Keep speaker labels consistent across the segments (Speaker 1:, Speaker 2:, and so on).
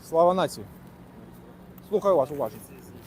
Speaker 1: Слава нації. Слухаю вас уважно.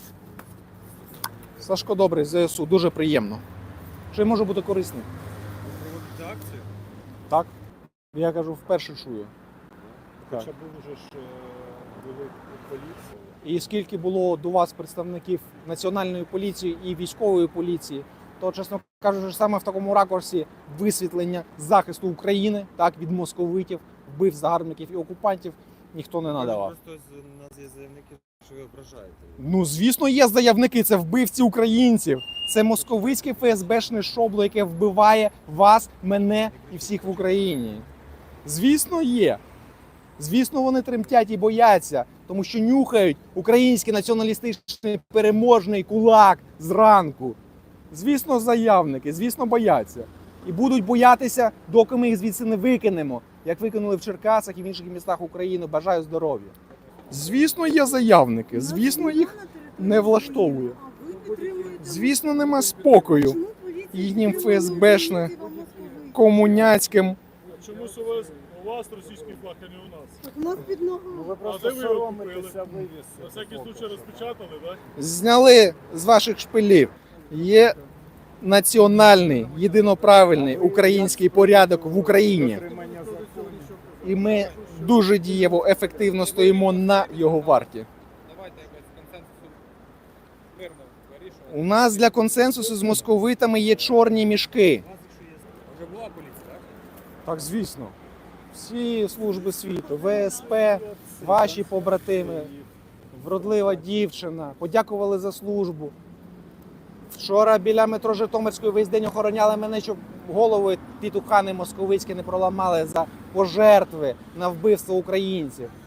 Speaker 1: Сашко Добрий, ЗСУ. Дуже приємно. Чи може бути корисним?
Speaker 2: Проводити акцію?
Speaker 1: Так. Я кажу, вперше чую.
Speaker 2: Хоча був уже ж були поліції.
Speaker 1: І скільки було до вас представників Національної поліції і військової поліції, то, чесно кажучи, саме в такому ракурсі висвітлення захисту України, так, від московитів, вбив загарбників і окупантів ніхто не надавав.
Speaker 2: Просто з нас є заявники, що ви ображаєте.
Speaker 1: Ну, звісно, є заявники, це вбивці українців. Це московицьке ФСБшне шобло, яке вбиває вас, мене і всіх в Україні. Звісно, є. Звісно, вони тремтять і бояться, тому що нюхають український націоналістичний переможний кулак зранку. Звісно, заявники, звісно, бояться. І будуть боятися, доки ми їх звідси не викинемо, як викинули в Черкасах і в інших містах України. Бажаю здоров'я. Звісно, є заявники, звісно, їх не влаштовує. Звісно, нема спокою їхнім ФСБшним, комуняцьким.
Speaker 3: Чомусь у вас російський флаг, а не у нас.
Speaker 4: У нас під ногами.
Speaker 2: Ви
Speaker 3: просто соромитеся На всякий случай розпечатали, так?
Speaker 1: Зняли з ваших шпилів. Є національний, єдиноправильний український порядок в Україні. І ми дуже дієво, ефективно стоїмо на його варті.
Speaker 2: Давайте якось консенсусу мирно вирішувати.
Speaker 1: У нас для консенсусу з московитами є чорні мішки.
Speaker 2: Вже була поліція, так?
Speaker 1: Так, звісно. Всі служби світу, ВСП, ваші побратими, вродлива дівчина, подякували за службу. Вчора біля метро Житомирської весь день охороняли мене, щоб голови тітухани московицькі не проламали за пожертви на вбивство українців.